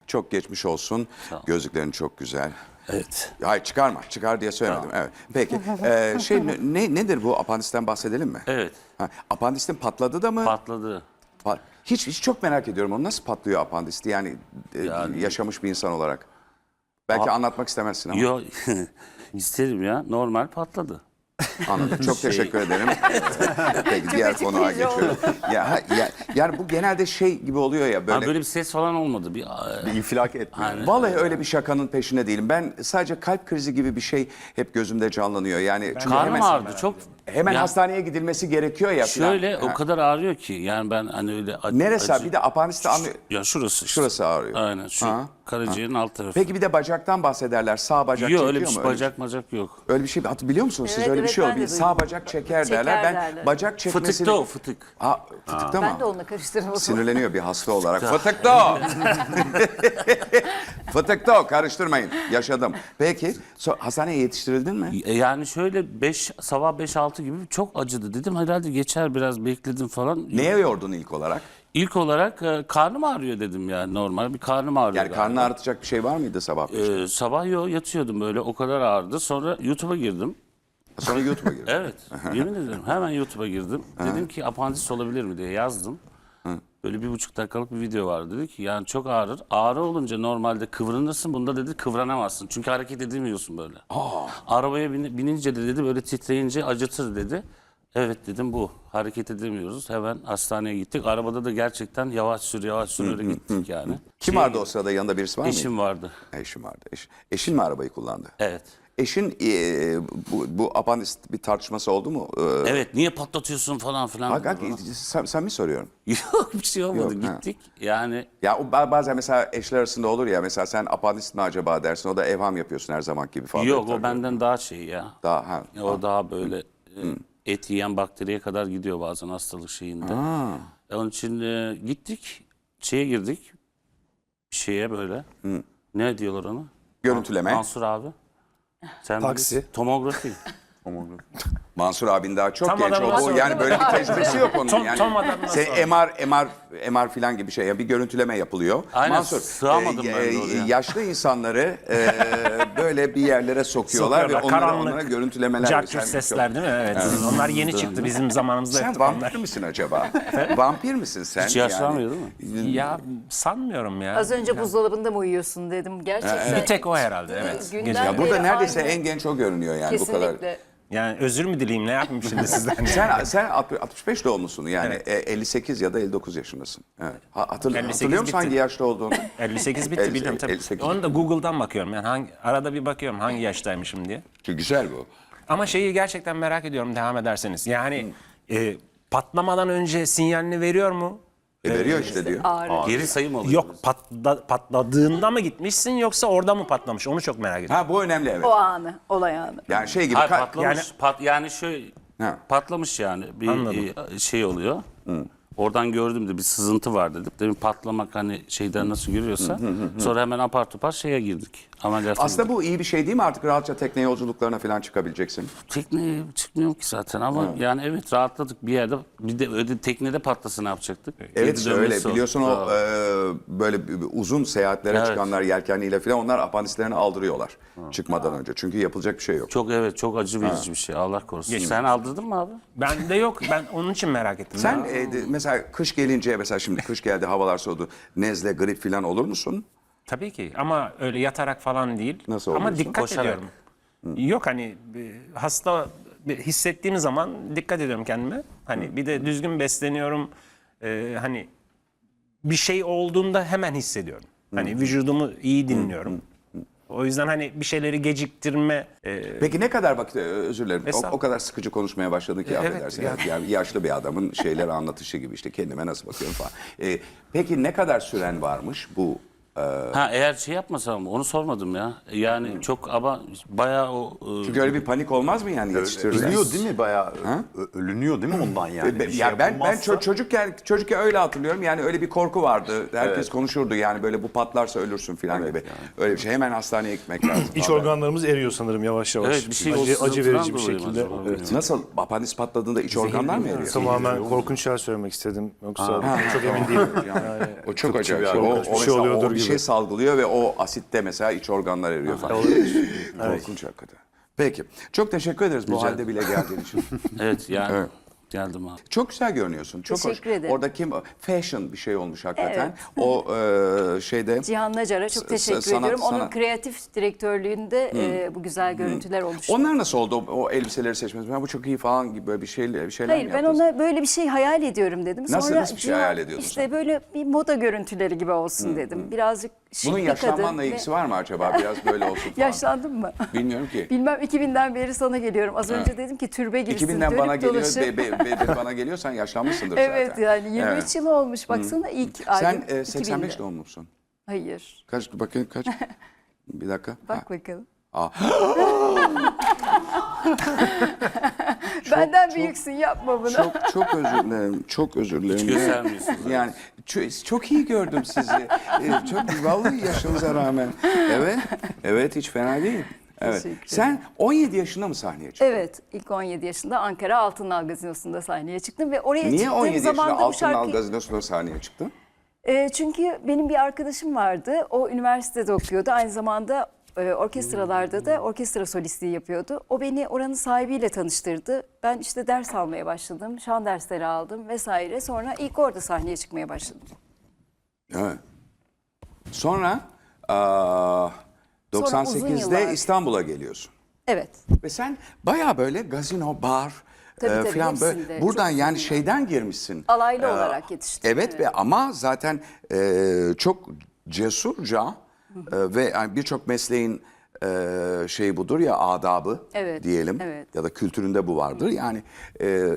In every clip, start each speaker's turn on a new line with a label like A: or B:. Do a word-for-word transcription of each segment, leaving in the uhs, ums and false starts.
A: Çok geçmiş olsun. Gözlüklerin çok güzel.
B: Evet.
A: Hayır çıkarma. Çıkar diye söylemedim. Evet. Peki. Ee, şey ne nedir bu apandisten bahsedelim mi?
B: Evet.
A: Ha, apandistin patladı da mı?
B: Patladı.
A: Pa- hiç hiç çok merak ediyorum. O nasıl patlıyor apandisti? Yani, e,
B: Yani-
A: yaşamış bir insan olarak. Belki anlatmak istemezsin ama.
B: Yok. İsterim ya. Normal patladı.
A: Anladım. Çok
B: Şey-
A: teşekkür ederim. Peki diğer konuya
C: açıklayıcı
A: geçiyorum. Ya, ha- ya, yani bu genelde şey gibi oluyor ya
B: Ha,
A: böyle.
B: böyle bir ses falan olmadı. Bir,
D: Bir infilak etmiyor.
B: Hani-
A: Vallahi öyle bir şakanın peşinde değilim. Ben sadece kalp krizi gibi bir şey hep gözümde canlanıyor. Yani çünkü
B: karnım
A: hemen,
B: ağrıdı. Çok.
A: hemen
B: Ya
A: hastaneye gidilmesi gerekiyor ya. falan.
B: Şöyle
A: Ha.
B: o kadar ağrıyor ki. Yani ben hani öyle acı,
A: Neresi?
B: acı-
A: Bir de apandiste anlıyor.
B: Ya şurası. işte.
A: Şurası ağrıyor.
B: Aynen şu
A: Ha,
B: karaciğerin alt tarafı.
A: Peki bir de bacaktan bahsederler. Sağ bacak
B: Yok
A: çekiyor
B: öyle bir
A: mu?
B: şey,
A: Öyle
B: bacak macak yok.
A: Öyle bir şey hat- biliyor musunuz siz?
C: Evet,
A: Öyle bir
C: evet,
A: şey
C: ben
A: oldu.
C: de
A: Sağ
C: duydum.
A: bacak çeker,
C: Çeker
A: derler. Ben
C: derler.
A: bacak çekmesini...
B: Fıtıkta o fıtık.
A: Ha, fıtıkta
C: Ben
A: mı?
C: de onunla karıştırmadım.
A: Sinirleniyor bir hasta olarak. Fıtıkta o. Fıtıkta o. Karıştırmayın. Yaşadım. Peki so, hastaneye yetiştirildin mi?
B: E, Yani şöyle beş sabah beş altı gibi çok acıdı dedim. Herhalde geçer biraz bekledim falan.
A: Neye yordun ilk olarak?
B: İlk olarak e, karnım ağrıyor dedim yani normal bir karnım ağrıyor.
A: Yani
B: galiba.
A: karnını ağrıtacak bir şey var mıydı sabah beşte?
B: Ee, sabah yo yatıyordum böyle o kadar ağrıdı. Sonra YouTube'a girdim.
A: Sonra YouTube'a girdin.
B: Evet yemin ederim hemen YouTube'a girdim. Dedim ki apandis olabilir mi diye yazdım. Böyle bir buçuk dakikalık bir video vardı. Dedi ki yani çok ağrır. Ağrı olunca normalde kıvranırsın. Bunda dedi kıvranamazsın. Çünkü hareket edemiyorsun böyle. Arabaya bin- binince de dedi böyle titreyince acıtır dedi. Evet dedim bu. Hareket edemiyoruz. Hemen hastaneye gittik. Arabada da gerçekten yavaş sür yavaş sür öyle gittik yani.
A: Kim
B: Şey,
A: vardı o sırada? Yanında birisi var mıydı?
B: Eşim vardı.
A: Eşim vardı. Eş, eşin mi arabayı kullandı?
B: Evet.
A: Eşin e, bu, bu apandist bir tartışması oldu mu? Ee,
B: Evet niye patlatıyorsun falan filan.
A: Bak,
B: dedi
A: bak,
B: bana.
A: sen, sen mi soruyorum?
B: Yok bir şey olmadı.
A: Yok, ha.
B: Gittik. Yani
A: Ya o ba- bazen mesela eşler arasında olur ya, mesela sen apandist mi acaba dersin, o da evham yapıyorsun her zaman gibi falan.
B: yok
A: Tabii.
B: o benden daha şey ya.
A: Daha ha.
B: O daha böyle e, et yiyen bakteriye kadar gidiyor bazen hastalık şeyinde. E, Onun için e, gittik. Şeye girdik. Şeye böyle. Ne diyorlar ona?
A: Görüntüleme.
B: Mansur abi. Sen
D: Taksi.
B: bilirsin. Tomografi.
A: Mansur abin daha çok
E: Tam
A: genç.
E: adamına
A: O, bu,
E: sordum.
A: yani böyle bir tecrübesi yok onun.
E: Tam-
A: yani.
E: tam adamına
A: Sen
E: sordum.
A: M R, M R, M R falan gibi şey. Yani bir görüntüleme yapılıyor.
B: Aynen,
A: Mansur,
B: sığamadım ben de oraya.
A: yaşlı insanları e, böyle bir yerlere sokuyorlar,
E: Sokuyorlar.
A: ve onlara,
E: Karanlık,
A: onlara görüntülemeler.
E: Cart
A: Sen-
E: curt sesler değil mi? Evet. Onlar yeni çıktı. Bizim zamanımızda
A: Sen
E: yoktu
A: vampir
E: onlar.
A: misin acaba? Vampir misin sen?
B: Hiç yaşlanmıyor değil mi?
E: Ya sanmıyorum ya.
C: Az önce buzdolabında mı uyuyorsun dedim. Gerçekten.
E: Bir tek o herhalde evet.
C: Günden
E: Gece.
A: Ya burada
C: beri
A: neredeyse
C: aynı.
A: en genç o görünüyor yani bu kadar.
C: Kesinlikle.
E: Yani özür mü dileyim ne yapayım şimdi sizden?
A: Sen sen altmış beş doğumlusun yani,
E: Evet.
A: e, elli sekiz ya da elli dokuz yaşındasın. Evet. Ha, hatırl-
E: elli sekiz
A: hatırlıyor musun
E: bitti.
A: hangi yaşta olduğunu?
E: elli sekiz bitti
A: elli-
E: biliyorum tabii.
A: elli sekiz.
E: Onu da Google'dan bakıyorum. Yani hangi, arada bir bakıyorum hangi yaştaymışım diye.
A: Çok güzel bu.
E: Ama şeyi gerçekten merak ediyorum devam ederseniz. Yani e, patlamadan önce sinyalini veriyor mu?
A: E, veriyor işte diyor.
C: Ağrı.
B: Geri sayım oluyor.
E: Yok patla, patladığında mı gitmişsin yoksa orada mı patlamış? Onu çok merak ediyorum.
A: Ha, bu önemli, evet.
C: O anı, olay anı.
A: Yani şey gibi.
B: Hayır
A: ka-
B: patlamış.
E: yani-
B: pat, yani şöyle
A: Ha.
B: patlamış yani. Bir
E: Anladım.
B: e, şey oluyor. Oradan gördüm de bir sızıntı var dedim. Demin patlamak hani şeyden nasıl görüyorsa. Sonra hemen apar topar şeye girdik. Ameliyata
A: Aslında
B: girdik.
A: bu iyi bir şey değil mi? Artık rahatça tekne yolculuklarına falan çıkabileceksin.
B: Tekneye çıkmıyorum ki zaten ama yani evet rahatladık bir yerde. Bir de öyle teknede patlasa ne yapacaktık?
A: Evet
B: Geri
A: işte
B: dönmesi
A: öyle.
B: oldu.
A: Biliyorsun o
B: Aa.
A: e, böyle bir- bir uzun seyahatlere
B: Evet.
A: çıkanlar yelkenliyle falan, onlar apandislerini aldırıyorlar çıkmadan önce. Çünkü yapılacak bir şey yok.
B: Çok evet çok acı verici bir şey Allah korusun. Sen aldırdın mı abi?
E: Ben de yok. Ben onun için merak ettim.
A: Sen
E: Ya.
A: e, de- mesela kış gelince, mesela şimdi kış geldi, havalar soğudu. Nezle, grip falan olur musun?
E: Tabii ki ama öyle yatarak falan değil.
A: Nasıl
E: Ama
A: oluyorsun?
E: dikkat
B: Koşarak.
E: ediyorum. Yok hani e, hasta bir hissettiğim zaman dikkat ediyorum kendime. Hani bir de düzgün besleniyorum. Ee, hani bir şey olduğunda hemen hissediyorum. Hani vücudumu iyi dinliyorum. O yüzden hani bir şeyleri geciktirme e,
A: Peki ne kadar vakit, e, özür dilerim, o,
E: Estağfurullah.
A: o kadar sıkıcı konuşmaya başladın ki,
E: Evet,
A: affedersin.
E: ya.
A: Yani yaşlı bir adamın şeyleri anlatışı gibi, işte kendime nasıl bakıyorum falan. E, peki ne kadar süren varmış bu? e,
B: Ha eğer şey yapmasam onu sormadım ya. Yani çok ama bayağı o e,
A: Çünkü öyle bir panik olmaz mı yani yetiştirirler?
D: Ölünüyor değil mi bayağı? Ö- Ölünüyor değil mi ondan yani?
A: Be-
D: Bir şey
A: ya ben ben
D: yapılmazsa-
A: ço- çocukken çocukken öyle hatırlıyorum. Yani öyle bir korku vardı. Herkes konuşurdu yani, böyle bu patlarsa ölürsün falan gibi. Öyle bir şey. Hemen hastaneye gitmek lazım.
F: İç
A: falan.
F: organlarımız eriyor sanırım yavaş yavaş.
B: Evet, bir şey
F: acı,
B: o
F: acı
B: sızıntıdan
F: verici bir
B: dolayı mı
F: şekilde.
B: acaba?
F: Evet.
A: Nasıl apandis patladığında iç organlar mı eriyor?
F: Tamamen korkunç şeyler söylemek istedim. Yoksa çok emin değilim. Yani
A: O çok acayip.
D: bir
A: şey. O,
D: adam.
A: o
F: Bir şey
A: mesela
F: oluyordur
A: o
F: gibi
A: bir şey salgılıyor ve o asitte mesela iç organlar eriyor falan. Korkunç hakikaten. Peki. Çok teşekkür ederiz bu halde bile geldiğin için.
B: Evet yani
A: Evet.
B: geldim abi.
A: Çok güzel görünüyorsun. Çok
C: Teşekkür
A: hoş.
C: ederim.
A: Orada kim fashion bir şey olmuş hakikaten.
C: Evet.
A: O e, şeyde
C: Cihan Nacar'a çok teşekkür
A: sanat-
C: ediyorum. Onun
A: sanat-
C: kreatif direktörlüğünde e, bu güzel görüntüler oluştu.
A: onlar nasıl oldu o, o elbiseleri seçmesi? Ben bu çok iyi falan gibi böyle bir şey bir şeyler
C: Hayır
A: mi
C: ben
A: yaptınız?
C: ona böyle bir şey hayal ediyorum dedim.
A: Nasıl-
C: Sonra
A: nasıl bir şey
C: Cihan,
A: hayal ediyordun
C: İşte
A: sen?
C: böyle bir moda görüntüleri gibi olsun dedim. Birazcık şık
A: Bunun
C: bir kadın.
A: yaşlanmanla
C: ve-
A: ilgisi var mı acaba? Biraz böyle olsun falan.
C: Yaşlandın mı?
A: Bilmiyorum ki.
C: Bilmem iki binden beri sana geliyorum. Az önce dedim ki türbe gibisin.
A: iki binden
C: dönüp
A: bana geliyor,
C: dolaşıp-
A: be, be, be- be- bana geliyorsan yaşlanmışsındır
C: Evet
A: zaten.
C: yani yirmi üç
A: Evet.
C: yıl olmuş baksana ilk
A: Sen
C: albüm
A: e, seksen beş
C: iki binde.
A: doğumlusun.
C: Hayır.
A: Kaç bakayım kaç? Bir dakika.
C: Bak
A: Ha.
C: bakalım.
A: Aa.
C: Benden büyüksün yapma bunu.
A: Çok çok özür dilerim. Çok özür dilerim.
B: göstermiyorsunuz.
A: Yani çok, çok iyi gördüm sizi. Ee, çok vallahi yaşınıza rağmen. Evet. Evet hiç fena değil. Evet.
C: Teşekkür
A: Sen on yedi yaşında mı sahneye çıktın?
C: Evet, ilk on yedi yaşında Ankara Altınal Gazinosu'nda sahneye çıktım ve oraya
A: Niye
C: çıktığım
A: on yedi
C: zaman
A: yaşında
C: da bu
A: Altınal
C: şarkıyı...
A: Gazinosu'nda sahneye çıktın?
C: E, çünkü benim bir arkadaşım vardı, o üniversitede okuyordu. Aynı zamanda e, orkestralarda da orkestra solistliği yapıyordu. O beni oranın sahibiyle tanıştırdı. Ben işte ders almaya başladım, şan dersleri aldım vesaire. Sonra ilk orada sahneye çıkmaya başladım.
A: Evet. Sonra aa, doksan
C: uzun
A: sekizde
C: yıllar.
A: İstanbul'a geliyorsun.
C: Evet,
A: Ve sen baya böyle gazino, bar
C: Tabii,
A: e,
C: tabii,
A: falan böyle
C: hepsinde.
A: buradan
C: Çok
A: yani
C: uzun
A: şeyden girmişsin.
C: alaylı
A: Ee,
C: olarak yetiştim.
A: Evet, ve ama zaten e, çok cesurca e, ve yani birçok mesleğin e, şeyi budur ya, adabı
C: Evet,
A: diyelim
C: evet.
A: ya da kültüründe bu vardır. Yani e, e,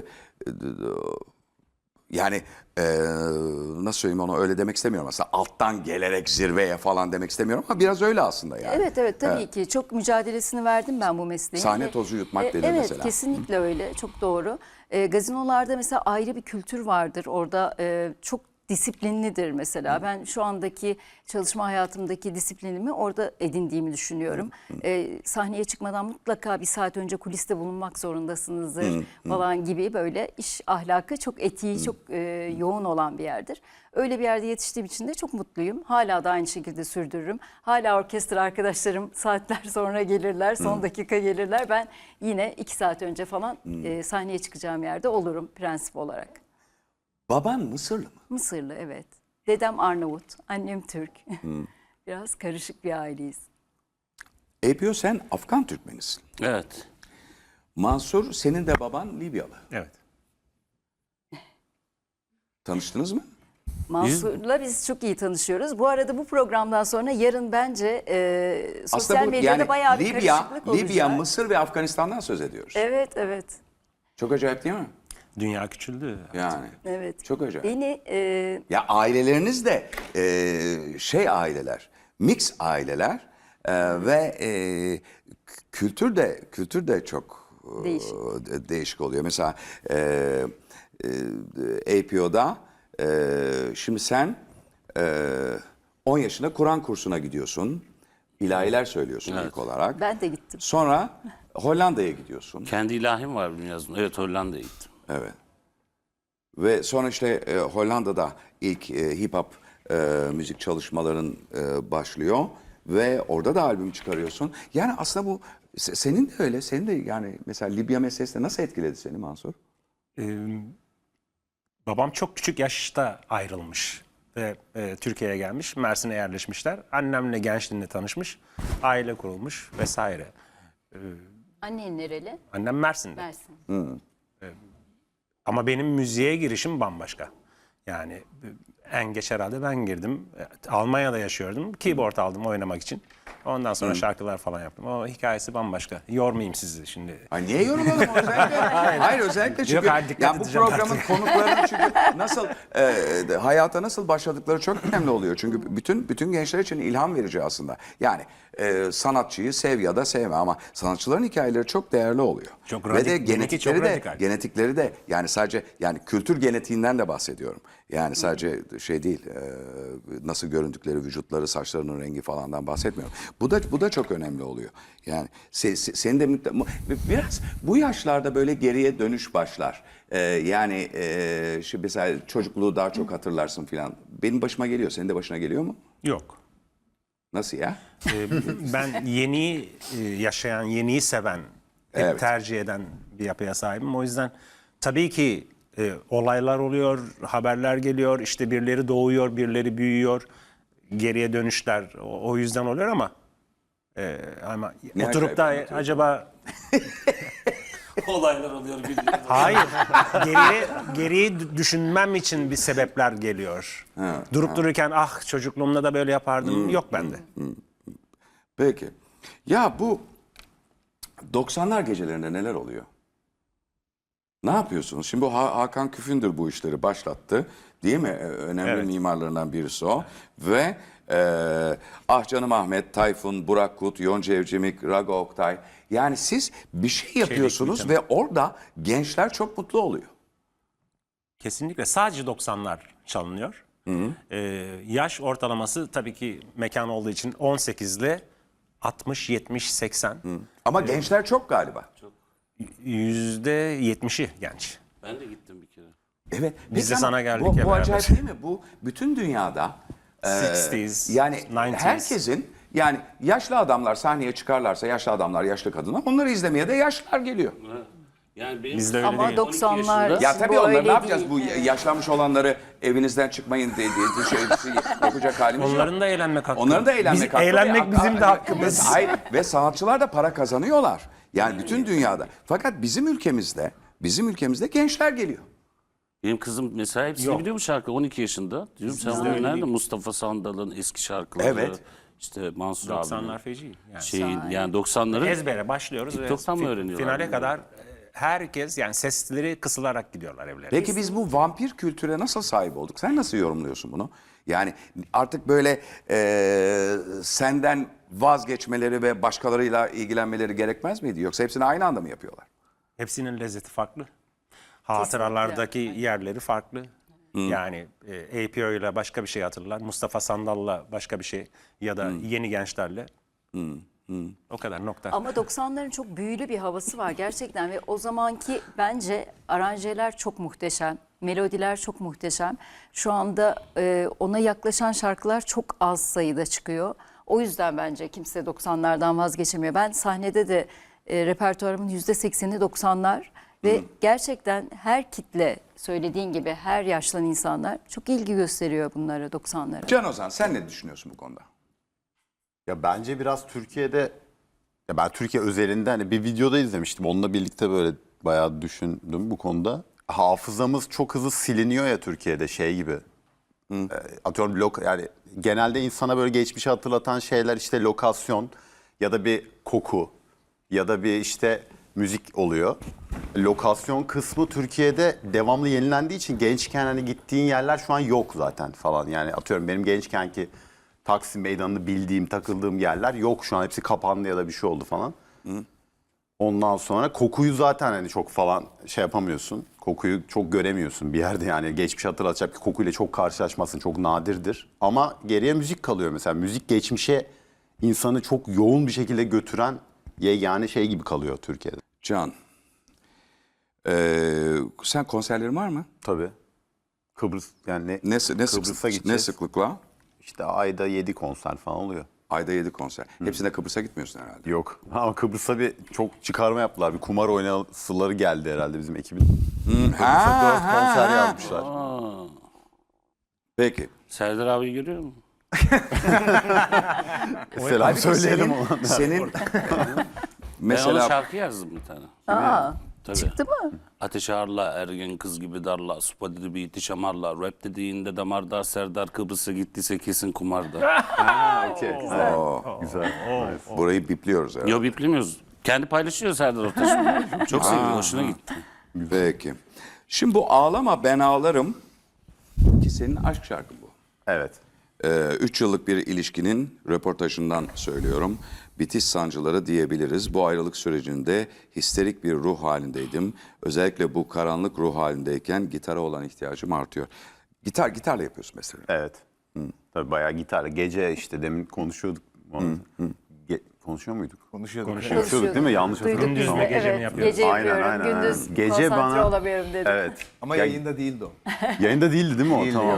A: yani e, nasıl söyleyeyim, onu öyle demek istemiyorum. Aslında alttan gelerek zirveye falan demek istemiyorum ama biraz öyle aslında yani.
C: Evet evet tabii ki çok mücadelesini verdim ben bu mesleğin.
A: Sahne
C: Ve-
A: tozu yutmak
C: E,
A: dedi
C: evet,
A: mesela.
C: Evet kesinlikle öyle, çok doğru. E, gazinolarda mesela ayrı bir kültür vardır orada, e, çok disiplinlidir mesela. Ben şu andaki çalışma hayatımdaki disiplinimi orada edindiğimi düşünüyorum. E, sahneye çıkmadan mutlaka bir saat önce kuliste bulunmak zorundasınızdır falan gibi böyle iş ahlakı çok etiği çok e, yoğun olan bir yerdir. Öyle bir yerde yetiştiğim için de çok mutluyum. Hala da aynı şekilde sürdürürüm. Hala orkestra arkadaşlarım saatler sonra gelirler, son dakika gelirler. Ben yine iki saat önce falan e, sahneye çıkacağım yerde olurum prensip olarak.
A: Baban Mısırlı mı?
C: Mısırlı evet. Dedem Arnavut, annem Türk. Biraz karışık bir aileyiz.
A: A P O sen Afgan Türkmenisin.
B: Evet.
A: Mansur, senin de baban Libyalı.
E: Evet.
A: Tanıştınız mı?
C: Mansur'la biz çok iyi tanışıyoruz. Bu arada bu programdan sonra yarın bence e, sosyal
A: Aslında bu
C: medyada
A: yani
C: bayağı bir
A: Libya,
C: karışıklık olacak.
A: Libya, Mısır ve Afganistan'dan söz ediyoruz.
C: Evet, evet,
A: Çok acayip değil mi?
E: Dünya küçüldü.
A: Yani.
C: evet.
A: Çok acayip.
C: Beni e,
A: Ya aileleriniz de e, şey aileler, mix aileler e, ve e, kültür de kültür de çok e,
C: Değişik.
A: de- değişik oluyor. Mesela e, e, A P O'da e, şimdi sen e, on yaşında Kur'an kursuna gidiyorsun. İlahiler söylüyorsun ilk olarak.
C: ben de gittim.
A: Sonra Hollanda'ya gidiyorsun.
B: Kendi ilahim var benim yazdım. Evet, Hollanda'ya gittim.
A: Evet. Ve sonra işte e, Hollanda'da ilk e, hip hop e, müzik çalışmaların e, başlıyor ve orada da albüm çıkarıyorsun. Yani aslında bu se- senin de öyle. Senin de yani mesela Libya meselesi de nasıl etkiledi seni Mansur?
E: Ee, babam çok küçük yaşta ayrılmış ve e, Türkiye'ye gelmiş. Mersin'e yerleşmişler. Annemle gençliğinde tanışmış. Aile kurulmuş vesaire.
C: Annen nereli?
E: Annem Mersin'de.
C: Mersin.
E: Ama benim müziğe girişim bambaşka. Yani e, en geç herhalde ben girdim. E, Almanya'da yaşıyordum. Keyboard aldım oynamak için. Ondan sonra şarkılar falan yaptım. O hikayesi bambaşka. Yormayayım sizi şimdi.
A: Ay niye yorumlayalım özellikle? Hayır özellikle çünkü
E: Yok, hayır, dikkat
A: yani bu
E: edeceğim
A: programın
E: artık.
A: konuklarının çünkü nasıl e, de- hayata nasıl başladıkları çok önemli oluyor. Çünkü bütün bütün gençler için ilham verici aslında. Yani e, sanatçıyı sev ya da sevme ama sanatçıların hikayeleri çok değerli oluyor.
E: Çok
A: Ve
E: radik-
A: de
E: benimki
A: genetikleri
E: çok
A: de
E: radikal.
A: genetikleri de yani sadece yani kültür genetiğinden de bahsediyorum. Yani sadece şey değil e, nasıl göründükleri, vücutları, saçlarının rengi falandan bahsetmiyorum. Bu da bu da çok önemli oluyor. Yani se, se- senin de mütte- mu- biraz bu yaşlarda böyle geriye dönüş başlar. E, yani e, şimdi mesela çocukluğu daha çok hatırlarsın filan. Benim başıma geliyor. Senin de başına geliyor mu?
E: Yok.
A: Nasıl ya?
E: Ee, ben yeniyi e, yaşayan, yeniyi seven, hep
A: Evet.
E: tercih eden bir yapıya sahibim. O yüzden tabii ki e, olaylar oluyor, haberler geliyor, işte birileri doğuyor, birileri büyüyor, geriye dönüşler o, o yüzden oluyor ama e, ama
A: Ne
E: oturup da
A: acayip
E: acaba
B: Olaylar oluyor bildiğin.
E: hayır geriye geriyi dü- düşünmem için bir sebepler geliyor. Durup dururken ah çocukluğumda da böyle yapardım yok bende.
A: Peki. Ya bu doksanlar gecelerinde neler oluyor? Ne yapıyorsunuz? Şimdi bu Ha- Hakan Küfündür bu işleri başlattı. Değil mi? Ee, Önemli
E: Evet.
A: mimarlarından birisi o. Ve e, Ah Canım Ahmet, Tayfun, Burak Kut, Yonca Evcimik, Rago Oktay. Yani siz bir şey yapıyorsunuz ve orada gençler çok mutlu oluyor.
E: Kesinlikle sadece doksanlar çalınıyor. Ee, yaş ortalaması tabii ki mekan olduğu için on sekiz ile altmış, yetmiş, seksen.
A: Ama gençler çok galiba.
E: yüzde yetmişi genç.
B: Ben de gittim bir kere.
A: Evet.
E: Biz de
A: Peki
E: sana
A: ama
E: geldik
A: bu,
E: ya
A: bu
E: beraber.
A: acayip değil mi? Bu bütün dünyada e,
E: altmışlar,
A: yani
E: doksanlar.
A: herkesin yani yaşlı adamlar sahneye çıkarlarsa yaşlı adamlar yaşlı kadınlar onları izlemeye de yaşlılar geliyor.
B: Yani benim
E: Bizde öyle
C: Ama
E: değil.
C: doksanlar
B: yaşında-
A: Ya tabii
C: bu
A: onlar
C: öyle
A: ne yapacağız?
C: değil.
A: Bu yaşlanmış olanları evinizden çıkmayın diye, diye şey, şey yapacak halimiz yok.
E: Onların da eğlenmek hakkı.
A: Onların da eğlenmek
E: Biz-
A: hakkı.
E: Eğlenmek
A: ve-
E: bizim de
A: ve-
E: hakkımız.
A: Ve, hayır, ve sanatçılar da para kazanıyorlar. Yani bütün dünyada. Fakat bizim ülkemizde, bizim ülkemizde gençler geliyor.
B: Benim kızım mesela hepsini
E: Yok.
B: biliyor bu şarkı on iki yaşında. Diyorum sen bunu nerede? Mustafa Sandal'ın eski şarkıları.
A: Evet.
B: İşte Mansur
E: doksanlar
B: abinin
E: feci. Yani.
B: şeyin yani doksanların
E: Ezbere başlıyoruz ve
B: TikTok'tan mı
E: fi-
B: öğreniyorlar
E: finale
B: bunu?
E: kadar e, herkes yani sesleri kısılarak gidiyorlar evlerine.
A: Peki biz bu vampir kültüre nasıl sahip olduk? Sen nasıl yorumluyorsun bunu? Yani artık böyle e, senden vazgeçmeleri ve başkalarıyla ilgilenmeleri gerekmez miydi? Yoksa hepsini aynı anda mı yapıyorlar?
E: Hepsinin lezzeti farklı. Hatıralardaki yerleri farklı. Yani e, A P O ile başka bir şey hatırlar. Mustafa Sandal'la başka bir şey ya da yeni gençlerle. O kadar nokta.
C: Ama doksanların çok büyülü bir havası var gerçekten ve o zamanki bence aranjeler çok muhteşem, melodiler çok muhteşem. Şu anda e, ona yaklaşan şarkılar çok az sayıda çıkıyor. O yüzden bence kimse doksanlardan vazgeçemiyor. Ben sahnede de e, repertuarımın yüzde sekseni doksanlar ve gerçekten her kitle söylediğin gibi her yaşlan insanlar çok ilgi gösteriyor bunlara doksanlara.
A: Can Ozan sen ne düşünüyorsun bu konuda?
D: Ya bence biraz Türkiye'de, ya ben Türkiye özelinde hani bir videoda izlemiştim. Onunla birlikte böyle bayağı düşündüm bu konuda. Hafızamız çok hızlı siliniyor ya Türkiye'de şey gibi. E, Atıyorum lok yani genelde insana böyle geçmişi hatırlatan şeyler işte lokasyon ya da bir koku ya da bir işte müzik oluyor. Lokasyon kısmı Türkiye'de devamlı yenilendiği için gençken hani gittiğin yerler şu an yok zaten falan. Yani atıyorum benim gençkenki Taksim Meydanı'nı bildiğim, takıldığım yerler yok şu an. Hepsi kapandı ya da bir şey oldu falan. Ondan sonra kokuyu zaten hani çok falan şey yapamıyorsun. Kokuyu çok göremiyorsun bir yerde yani. Geçmiş hatırlatacak bir kokuyla çok karşılaşmasın. Çok nadirdir. Ama geriye müzik kalıyor mesela. Müzik geçmişe insanı çok yoğun bir şekilde götüren yegane şey gibi kalıyor Türkiye'de.
A: Can, ee, sen konserlerin var mı?
D: Tabii. Kıbrıs yani ne,
A: Ne, sı- ne, sık-
D: Kıbrıs'a
A: ne
D: gideceğiz.
A: sıklıkla?
D: İşte ayda yedi konser falan oluyor.
A: Ayda yedi konser. Hepsinde Kıbrıs'a gitmiyorsun herhalde.
D: Yok. Ama Kıbrıs'a bir çok çıkarma yaptılar. Bir kumar oynasıları geldi herhalde bizim ekibin. Kıbrıs'a dört konser yazmışlar.
A: Peki.
B: Serdar abi görüyor musun?
D: Selam
A: Halbuki
D: söyleyelim
A: senin,
D: ona.
A: senin
B: Ben ona
A: mesela
B: şarkı yazdım bir tane.
C: Aa,
B: Tabii.
C: çıktı mı?
B: Ateş ağırla, ergen kız gibi darla, sopa dedi bir itiş amarla, rap dediğinde damarda, Serdar Kıbrıs'a gittiyse kesin kumarda.
D: Okey. Güzel.
A: burayı bipliyoruz herhalde.
B: Yo biplemiyoruz. Kendi paylaşıyor Serdar Ortaç. Çok seviyor, hoşuna gitti.
A: Peki. Şimdi bu Ağlama Ben Ağlarım ki senin aşk şarkın bu.
D: Evet.
A: Ee, üç yıllık bir ilişkinin röportajından söylüyorum. Bitiş sancıları diyebiliriz. Bu ayrılık sürecinde histerik bir ruh halindeydim. Özellikle bu karanlık ruh halindeyken gitara olan ihtiyacım artıyor. Gitar, gitarla yapıyorsun mesela.
D: Evet. Tabii bayağı gitarla. Gece işte demin konuşuyorduk. Onu. Ge- konuşuyor muyduk?
F: Konuşuyorduk.
D: Konuşuyorduk değil mi? Yanlış
C: Duyduk
D: hatırlamıyorum.
C: biz
E: Gündüz
C: de,
E: mü, gece mi
C: evet.
E: yapıyoruz?
C: Gece
D: Aynen,
C: yapıyorum,
D: aynen,
C: gündüz
D: aynen. Gece
C: konsantre
D: bana-
C: olamıyorum dedim.
D: Evet.
F: Ama
D: Ya-
F: yayında değildi o.
D: Yayında değildi değil mi o?
F: Değildi,
D: Tamam.
F: yok.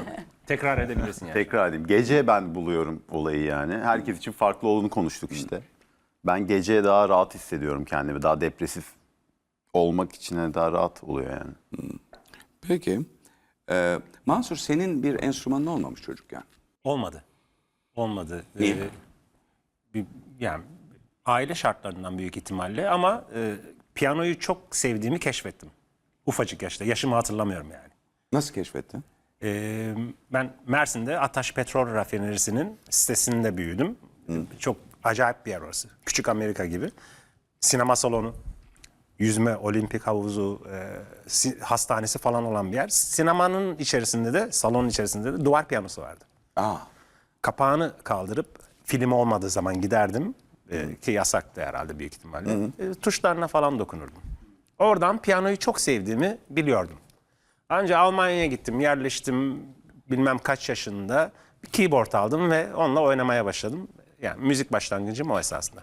E: Tekrar edebilirsin yani.
D: Tekrar edeyim. Gece ben buluyorum olayı yani. Herkes için farklı olduğunu konuştuk işte. Ben gece daha rahat hissediyorum kendimi. Daha depresif olmak için daha rahat oluyor yani.
A: Peki. Ee, Mansur, senin bir enstrümanın olmamış çocukken.
E: Olmadı. Olmadı.
A: Niye?
E: Ee, bir, yani aile şartlarından büyük ihtimalle ama e, piyanoyu çok sevdiğimi keşfettim. Ufacık yaşta. Yaşımı hatırlamıyorum yani.
A: Nasıl keşfettin?
E: Ee, ben Mersin'de Ataş Petrol Rafinerisi'nin sitesinde büyüdüm. Çok acayip bir yer orası. Küçük Amerika gibi. Sinema salonu, yüzme, olimpik havuzu, e, si- hastanesi falan olan bir yer. Sinemanın içerisinde de, salonun içerisinde de duvar piyanosu vardı.
A: Aa,
E: Kapağını kaldırıp film olmadığı zaman giderdim. E, ki yasaktı herhalde büyük ihtimalle. E, tuşlarına falan dokunurdum. Oradan piyanoyu çok sevdiğimi biliyordum. Ancak Almanya'ya gittim, yerleştim bilmem kaç yaşında. Bir keyboard aldım ve onunla oynamaya başladım. Yani müzik başlangıcım o esasında.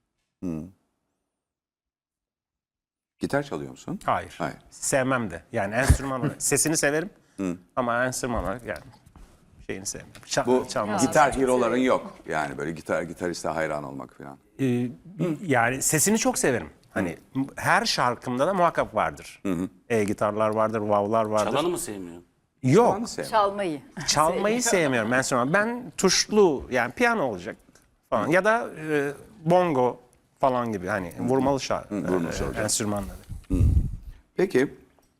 A: gitar çalıyor musun?
E: Hayır.
A: Hayır.
E: Sevmem de. Yani enstrüman olarak. Sesini severim ama enstrüman olarak yani şeyini sevmiyorum. Ça-
A: Bu
E: çalmasını
A: gitar hero'ların yok. Yani böyle gitar gitariste hayran olmak falan.
E: Ee, yani sesini çok severim. Hani m- her şarkımda da muhakkak vardır. E-gitarlar vardır, wow'lar vardır.
B: Çalanı mı sevmiyorsun?
E: Yok.
A: Çalanı sev.
C: Çalmayı.
E: Çalmayı sevmiyorum enstrüman. Ben tuşlu yani piyano olacak falan ya da e, bongo falan gibi hani vurmalı şarkı
A: vurmalı
E: enstrümanları.
A: Peki,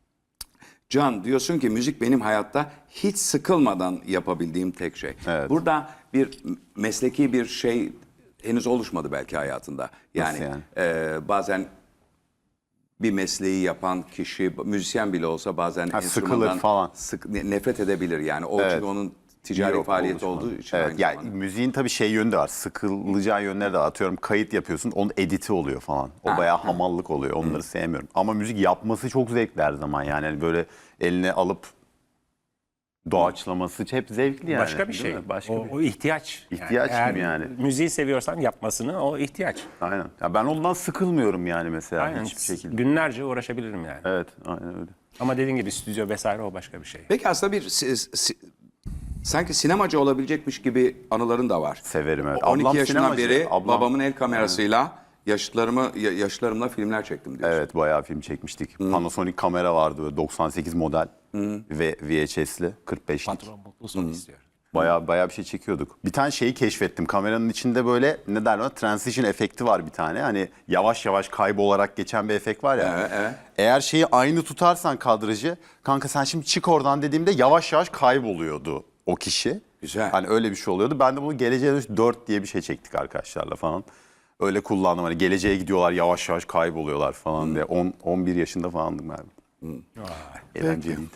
A: Can, diyorsun ki müzik benim hayatta hiç sıkılmadan yapabildiğim tek şey.
D: Evet.
A: Burada bir mesleki bir şey henüz oluşmadı belki hayatında. Yani,
D: yani?
A: e, bazen bir mesleği yapan kişi, müzisyen bile olsa bazen
D: Ha, sıkılır
A: enstrümandan
D: falan.
A: sık- ne- nefret edebilir. Yani o
D: Evet.
A: çünkü onun ticari
D: Yok,
A: faaliyeti
D: oluşmadı.
A: olduğu için.
D: Evet,
A: aynı
D: yani
A: zamanda.
D: müziğin tabii şey yönü de var. Sıkılacağı yönleri de var. Atıyorum kayıt yapıyorsun, onun editi oluyor falan. O bayağı hamallık oluyor. Onları sevmiyorum. Ama müzik yapması çok zevkli her zaman. Yani hani böyle eline alıp doğaçlaması hep zevkli yani.
E: Başka bir
D: değil
E: şey.
D: mi? Başka
E: o,
D: bir
E: o ihtiyaç.
D: İhtiyaç
E: eğer
D: gibi yani.
E: Müziği seviyorsan yapmasını o ihtiyaç.
D: Aynen. Ya ben ondan sıkılmıyorum yani mesela
E: Aynen.
D: hiçbir şekilde.
E: Günlerce uğraşabilirim yani.
D: Evet, aynen öyle.
E: Ama dediğin gibi stüdyo vesaire o başka bir şey.
A: Peki aslında bir si- si- sanki sinemacı olabilecekmiş gibi anıların da var.
D: Severim, evet.
A: on iki
D: Ablam
A: yaşından
D: sinemacı.
A: beri
D: Ablam-
A: babamın el kamerasıyla yaşlarımı ya- yaşlarımla filmler çektim diyorsun.
D: Evet, bayağı film çekmiştik. Panasonic kamera vardı böyle doksan sekiz model ve V H S'li kırk beşlik.
E: Patron mutlu son istiyor.
D: Bayağı bayağı bir şey çekiyorduk. Bir tane şeyi keşfettim. Kameranın içinde böyle ne derler ona transition efekti var bir tane. Hani yavaş yavaş kaybolarak geçen bir efekt var ya.
A: Evet, evet.
D: Eğer şeyi aynı tutarsan kadrajı, kanka sen şimdi çık oradan dediğimde yavaş yavaş kayboluyordu o kişi.
A: Güzel.
D: Hani öyle bir şey oluyordu. Ben de bunu Geleceğe Dönüş dört diye bir şey çektik arkadaşlarla falan. Öyle kullandım. Hani geleceğe gidiyorlar yavaş yavaş kayboluyorlar falan diye. on on bir yaşında falandım ben. Eğlenceliydi.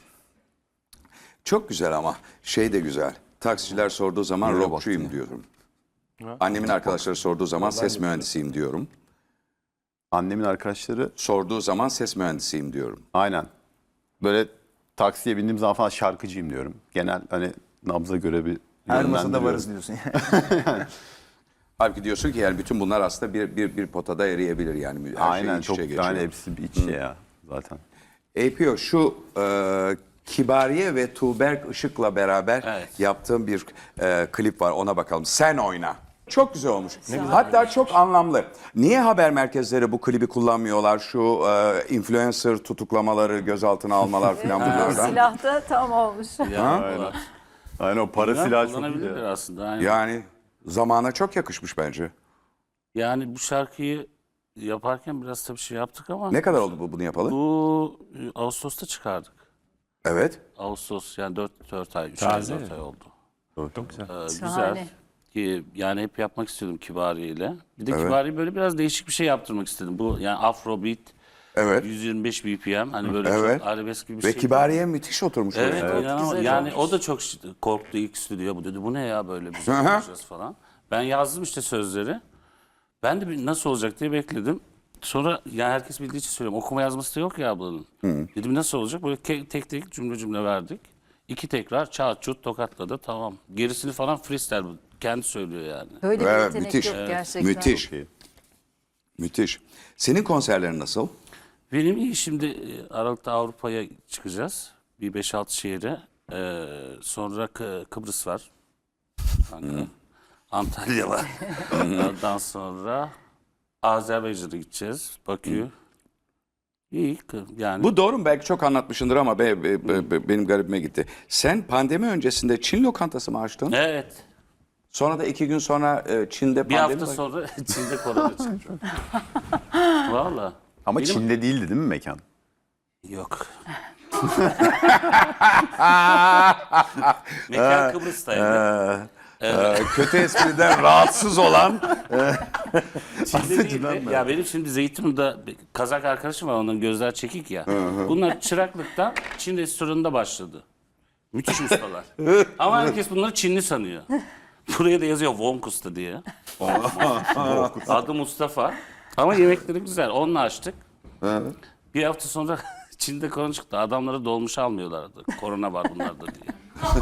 A: Çok güzel ama şey de güzel. Taksiciler sorduğu zaman
D: Nereye
A: rockçuyum
D: baktın ya?
A: diyorum. Annemin arkadaşları sorduğu zaman ses mühendisiyim diyorum.
D: Annemin arkadaşları
A: Sorduğu zaman ses mühendisiyim diyorum.
D: aynen. Böyle taksiye bindiğim zaman falan şarkıcıyım diyorum. Genel hani nabza göre bir
G: Her masada
D: yönlendiriyorum.
G: varız diyorsun yani.
A: Halbuki diyorsun ki yani bütün bunlar aslında bir bir bir potada eriyebilir yani. Her
D: Aynen
A: şey iç
D: çok
A: içe geçiyor.
D: yani hepsi bir iç içe ya zaten.
A: A P O şu e, Kibariye ve Tuğberk Işık'la beraber
B: Evet.
A: yaptığım bir e, klip var, ona bakalım. Sen oyna. Çok güzel olmuş. Hatta çok anlamlı. Niye haber merkezleri bu klibi kullanmıyorlar? Şu e, influencer tutuklamaları, gözaltına almalar falan bunlardan.
C: Silah da tam olmuş.
B: Yani,
D: Aynen o para
B: Güzel,
D: silahı çok iyi
B: kullanabilirler
D: ya.
B: aslında. Aynen.
A: Yani zamana çok yakışmış bence.
B: Yani bu şarkıyı yaparken biraz tabii şey yaptık ama
A: Ne kadar oldu bu bunu yapalı?
B: bu e, Ağustos'ta çıkardık.
A: Evet.
B: Ağustos yani dört dört ay, üç ay,
E: Taze.
B: dört ay oldu.
E: Çok güzel.
B: Ee,
C: Şahane.
B: güzel. Ki yani hep yapmak istiyordum Kibariye ile. Bir de
A: Evet.
B: Kibariye böyle biraz değişik bir şey yaptırmak istedim. Bu yani Afrobeat,
A: Evet.
B: yüz yirmi beş B P M hani böyle
A: Evet.
B: çok arabesk gibi bir
A: Ve
B: şey.
A: Kibariye müthiş oturmuş.
B: Evet,
A: oraya.
B: inanılmaz.
C: güzel
B: yani
C: olmuş.
B: o da çok şi- korktu ilk stüdyo. Bu dedi bu ne ya böyle biz
A: Hı hı.
B: yapacağız falan. Ben yazdım işte sözleri. Ben de bir nasıl olacak diye bekledim. Sonra yani herkes bildiği için söylüyorum. Okuma yazması da yok ya ablanın. Dedim nasıl olacak? Böyle ke- tek tek cümle cümle verdik. İki tekrar çat çut tokatladı tamam. Gerisini falan freestyle bu. Kendi söylüyor yani.
C: Böyle bir
A: Evet,
C: yetenek
A: müthiş.
C: yok
A: Evet.
C: gerçekten.
A: Müthiş.
D: Çok iyi.
A: Müthiş. Senin konserlerin nasıl?
B: Benim iyi şimdi e, Aralık'ta Avrupa'ya çıkacağız. Bir beş altı şehre. Ee, sonra Kı- Kıbrıs var. Ankara. Antalya var. Ondan sonra Azerbaycan'a gideceğiz. Bakü. İyi kı- yani.
A: Bu doğru mu? Belki çok anlatmışındır ama be, be- be- be- benim garibime gitti. Sen pandemi öncesinde Çin lokantası mı açtın?
B: Evet.
A: Sonra da iki gün sonra e, Çin'de
B: Bir
A: pandemi
B: hafta
A: var.
B: sonra Çin'de korona çıktı. Valla.
D: Ama
B: Benim-
D: Çin'de değildi değil mi mekan?
B: Yok. Mekan Kıbrıs'taydı.
A: Ee, kötü espriden rahatsız olan
B: Çin'de değildi. Ya benim şimdi Zeytinburnu'da bir Kazak arkadaşım var, onların gözler çekik ya. Bunlar çıraklıktan Çin restoranında başladı. Müthiş ustalar. Ama herkes bunları Çinli sanıyor. Buraya da yazıyor Vonkus'ta diye. Adı Mustafa. Ama yemekleri güzel. Onunla açtık. Bir hafta sonra Çin'de korona çıktı. Adamları dolmuş almıyorlardı. Korona var bunlarda diye.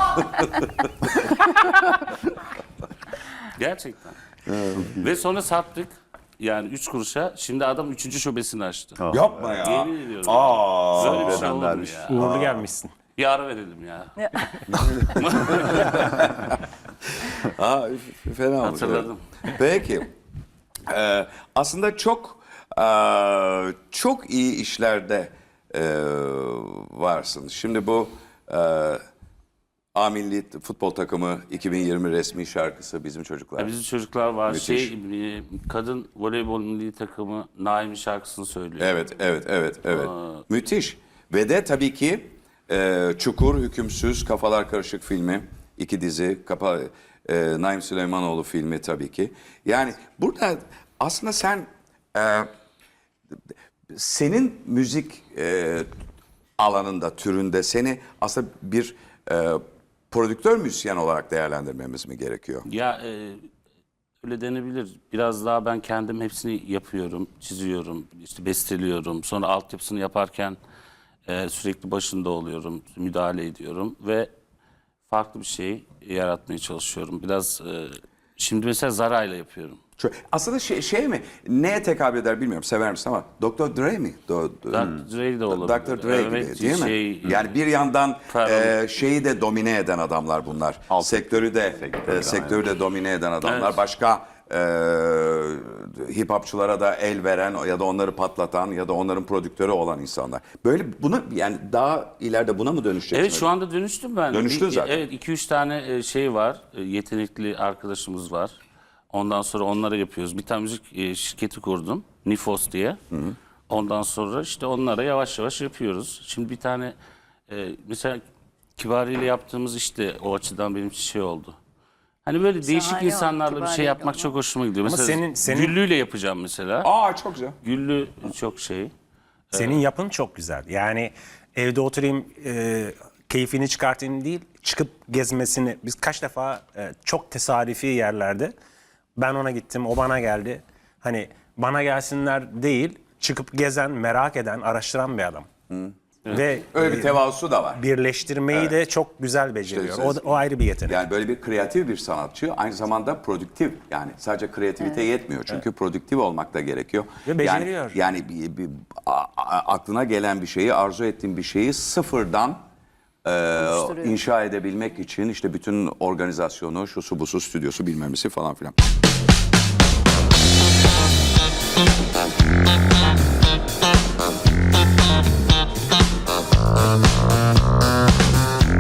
B: Gerçekten. Ve sonra sattık. Yani üç kuruşa. Şimdi adam üçüncü şubesini açtı.
A: yapma ya.
B: Yemin ediyorum.
A: Aa,
B: Böyle bir şey olur mu
D: dermiş.
B: ya?
E: Uğurlu gelmişsin.
B: Bir ara verelim ya.
A: Aa, f- fena oldu.
B: Hatırladım.
A: Peki. Ee, aslında çok e, çok iyi işlerde e, varsın. Şimdi bu e, A Milli Futbol Takımı iki bin yirmi resmi şarkısı Bizim Çocuklar.
B: Ya bizim çocuklar var.
A: Müthiş.
B: Şey, e, kadın voleybol milli takımı Naim'in şarkısını söylüyor.
A: Evet, evet, evet, evet. Müthiş. Ve de tabii ki e, Çukur, Hükümsüz, Kafalar Karışık filmi, iki dizi, Kapa, e, Naim Süleymanoğlu filmi tabii ki. Yani burada aslında sen e, senin müzik e, alanında, türünde seni aslında bir e, prodüktör müzisyen olarak değerlendirmemiz mi gerekiyor?
B: Ya e, öyle denebilir. Biraz daha ben kendim hepsini yapıyorum, çiziyorum, işte besteliyorum. Sonra altyapısını yaparken e, sürekli başında oluyorum, müdahale ediyorum ve farklı bir şey yaratmaya çalışıyorum. Biraz e, şimdi mesela Zara'yla yapıyorum.
A: Şu- Aslında şey, şey mi? Neye tekabül eder bilmiyorum. Sever misin ama doktor Dre mi? Do, do-
B: doktor Dre de olabilir.
A: doktor Dre gibi
B: Evet,
A: değil mi?
B: şey-
A: Yani bir yandan
B: Pardon.
A: e, şeyi de domine eden adamlar bunlar.
D: Alt-
A: sektörü de
D: Sektörü,
A: e, sektörü de domine eden adamlar.
B: Evet.
A: Başka e, hip hopçulara da el veren ya da onları patlatan ya da onların prodüktörü olan insanlar. Böyle bunu yani daha ileride buna mı dönüşeceksin?
B: Evet şu anda dönüştüm ben.
A: Dönüştün
B: Bir-
A: zaten.
B: Evet iki üç tane e, şey var. e, Yetenekli arkadaşımız var. Ondan sonra onlara yapıyoruz. Bir tane müzik e, şirketi kurdum. Nifos diye. Ondan sonra işte onlara yavaş yavaş yapıyoruz. Şimdi bir tane e, mesela Kibari ile yaptığımız işte o açıdan benim için şey oldu. Hani böyle değişik
C: Şahane
B: insanlarla bir
C: oldu,
B: şey
C: Kibari
B: yapmak
C: ile
B: çok hoşuma gidiyor. Mesela
E: senin- senin-
B: Güllü'yle yapacağım mesela.
A: Aa çok güzel.
B: Güllü çok şey.
E: Senin yapın çok güzel. Yani evde oturayım, e, keyfini çıkartayım değil, çıkıp gezmesini. Biz kaç defa e, çok tesadüfi yerlerde ben ona gittim, o bana geldi. Hani bana gelsinler değil, çıkıp gezen, merak eden, araştıran bir adam. Ve
A: Öyle bir tevazusu da var.
E: birleştirmeyi de çok güzel beceriyor.
A: İşte-
E: o, o ayrı bir yetenek.
A: Yani böyle bir kreatif bir sanatçı, aynı zamanda produktif. Yani sadece kreativite yetmiyor. Çünkü produktif olmak da gerekiyor.
E: Ve beceriyor.
A: Yani, yani bir, bir- a- a- aklına gelen bir şeyi, arzu ettiğin bir şeyi sıfırdan e,
C: Oluşturuyor.
A: inşa edebilmek için işte bütün organizasyonu, şusu busu, stüdyosu bilmem nesi falan filan.